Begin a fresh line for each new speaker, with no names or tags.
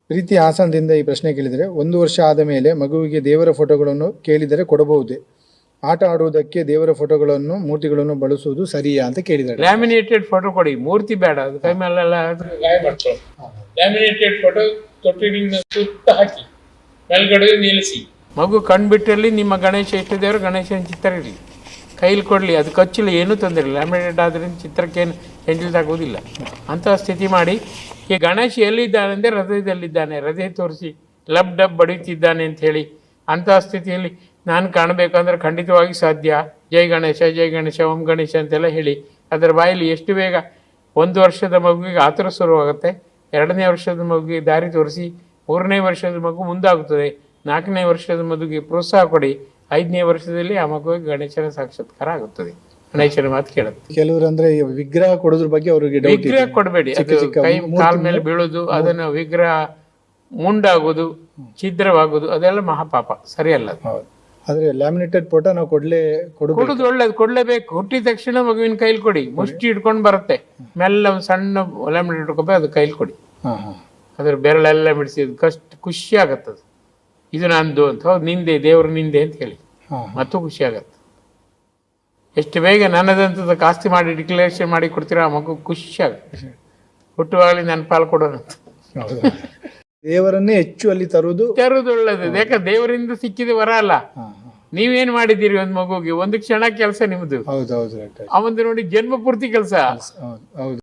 ಪ್ರೀತಿ ಹಾಸನದಿಂದ ಈ ಪ್ರಶ್ನೆ ಕೇಳಿದರೆ, 1 ವರ್ಷ ಆದ ಮೇಲೆ ಮಗುವಿಗೆ ದೇವರ ಫೋಟೋಗಳನ್ನು ಕೇಳಿದರೆ ಕೊಡಬಹುದೇ? ಆಟ ಆಡುವುದಕ್ಕೆ ದೇವರ ಫೋಟೋಗಳನ್ನು ಮೂರ್ತಿಗಳನ್ನು ಬಳಸುವುದು ಸರಿಯಾ ಅಂತ ಕೇಳಿದ್ದಾರೆ.
ಲ್ಯಾಮಿನೇಟೆಡ್ ಫೋಟೋ ಕೊಡಿ, ಮೂರ್ತಿ ಬೇಡ. ಅದು ಕೈ ಮೇಲೆಲ್ಲ ಗಾಯ ಮಾಡ್ಕೊಳ್ಳಿ. ಲ್ಯಾಮಿನೇಟೆಡ್ ಫೋಟೋ ತೊಟ್ಟಿಲಿನ ಸುತ್ತ ಹಾಕಿ ಮೇಲ್ಗಡೆ ನಿಲ್ಲಿಸಿ. ಮಗು ಕಣ್ಬಿಟ್ಟಲ್ಲಿ ನಿಮ್ಮ ಗಣೇಶ ಎಷ್ಟು ದೇವರು ಗಣೇಶನ ಚಿತ್ರ ಇರಲಿ, ಕೈಲಿ ಕೊಡಲಿ, ಅದು ಕಚ್ಚಲಿ, ಏನೂ ತೊಂದರೆ ಇಲ್ಲ. ಲ್ಯಾಮಿನೇಟ್ ಆದ್ರಿಂದ ಚಿತ್ರಕ್ಕೇನು ಆಗೋದಿಲ್ಲ. ಅಂತಹ ಸ್ಥಿತಿ ಮಾಡಿ, ಈ ಗಣೇಶ ಎಲ್ಲಿದ್ದಾನೆ ಅಂದರೆ ಹೃದಯದಲ್ಲಿದ್ದಾನೆ, ಹೃದಯ ತೋರಿಸಿ ಲಬ್ ಡಬ್ ಬಡಿಯುತ್ತಿದ್ದಾನೆ ಅಂತ ಹೇಳಿ, ಅಂತಹ ಸ್ಥಿತಿಯಲ್ಲಿ ನಾನು ಕಾಣಬೇಕಂದ್ರೆ ಖಂಡಿತವಾಗಿ ಸಾಧ್ಯ. ಜೈ ಗಣೇಶ, ಜೈ ಗಣೇಶ, ಓಂ ಗಣೇಶ ಅಂತೆಲ್ಲ ಹೇಳಿ ಅದರ ಬಾಯಲ್ಲಿ ಎಷ್ಟು ಬೇಗ 1 ವರ್ಷದ ಮಗುವಿಗೆ ಆತುರ ಶುರುವಾಗುತ್ತೆ. 2ನೇ ವರ್ಷದ ಮಗುವಿಗೆ ದಾರಿ ತೋರಿಸಿ, 3ನೇ ವರ್ಷದ ಮಗು ಮುಂದಾಗುತ್ತದೆ, 4ನೇ ವರ್ಷದ ಮಗುವಿಗೆ ಪ್ರೋತ್ಸಾಹ ಕೊಡಿ, 5ನೇ ವರ್ಷದಲ್ಲಿ ಆ ಮಗುವಿಗೆ ಗಣೇಶನ ಸಾಕ್ಷಾತ್ಕಾರ ಆಗುತ್ತದೆ, ಗಣೇಶನ ಮಾತು ಕೇಳುತ್ತೆ.
ಕೆಲವರು ಅಂದ್ರೆ ವಿಗ್ರಹ ಕೊಡೋದ್ರ ಬಗ್ಗೆ ಅವರಿಗೆ
ವಿಗ್ರಹ ಕೊಡಬೇಡಿ, ಕೈ ಕಾಲ ಮೇಲೆ ಬೀಳೋದು, ಅದನ್ನು ವಿಗ್ರಹ ಮುಂಡಾಗೋದು, ಛಿದ್ರವಾಗೋದು, ಅದೆಲ್ಲ ಮಹಾಪಾಪ, ಸರಿಯಲ್ಲ.
ಆದ್ರೆ ಲ್ಯಾಮಿನೇಟೆಡ್ ಫೋಟೋ ನಾವು ಕೊಡೋದು
ಒಳ್ಳೇದು, ಕೊಡ್ಲೇಬೇಕು. ಹುಟ್ಟಿದ ತಕ್ಷಣ ಮಗುವಿನ ಕೈಲಿ ಕೊಡಿ, ಮುಷ್ಟಿ ಹಿಡ್ಕೊಂಡು ಬರುತ್ತೆ, ಮೆಲ್ಲ ಒಂದು ಸಣ್ಣ ಲ್ಯಾಮಿನೇಟ್ ಹಿಡ್ಕೊಬೇಕು, ಅದು ಕೈಲಿ ಕೊಡಿ. ಅದ್ರ ಬೆರಳೆಲ್ಲ ಬಿಡಿಸಿ ಖುಷಿ ಆಗತ್ತದು, ಇದು ನಂದು ಅಂತ. ಹೌದು, ನಿಂದೆ, ದೇವರು ನಿಂದೆ ಅಂತ ಹೇಳಿ ಮತ್ತು ಖುಷಿ ಆಗತ್ತೆ. ಎಷ್ಟು ಬೇಗ ನನ್ನದಂತದ ಆಸ್ತಿ ಮಾಡಿ ಡಿಕ್ಲರೇಷನ್ ಮಾಡಿ ಕೊಡ್ತೀರಾ, ಆ ಮಗು ಖುಷಿ ಆಗುತ್ತೆ. ಹುಟ್ಟುವಾಗಲಿ ನನ್ನ ಪಾಲು ಕೊಡೋಣ ಅಂತ.
ದೇವರನ್ನೇ ಹೆಚ್ಚು ಅಲ್ಲಿ ತರುವುದು
ಒಳ್ಳೇದು. ಯಾಕಂದ್ರೆ ದೇವರಿಂದ ಸಿಕ್ಕಿದ ವರ ಅಲ್ಲ. ನೀವೇನ್ ಮಾಡಿದ್ದೀರಿ ಒಂದು ಮಗುಗೆ, ಒಂದು ಕ್ಷಣ ಕೆಲಸ ನಿಮ್ದು.
ಹೌದೌದು.
ಅವಂದು ನೋಡಿ ಜನ್ಮ ಪೂರ್ತಿ ಕೆಲಸ.
ಹೌದು.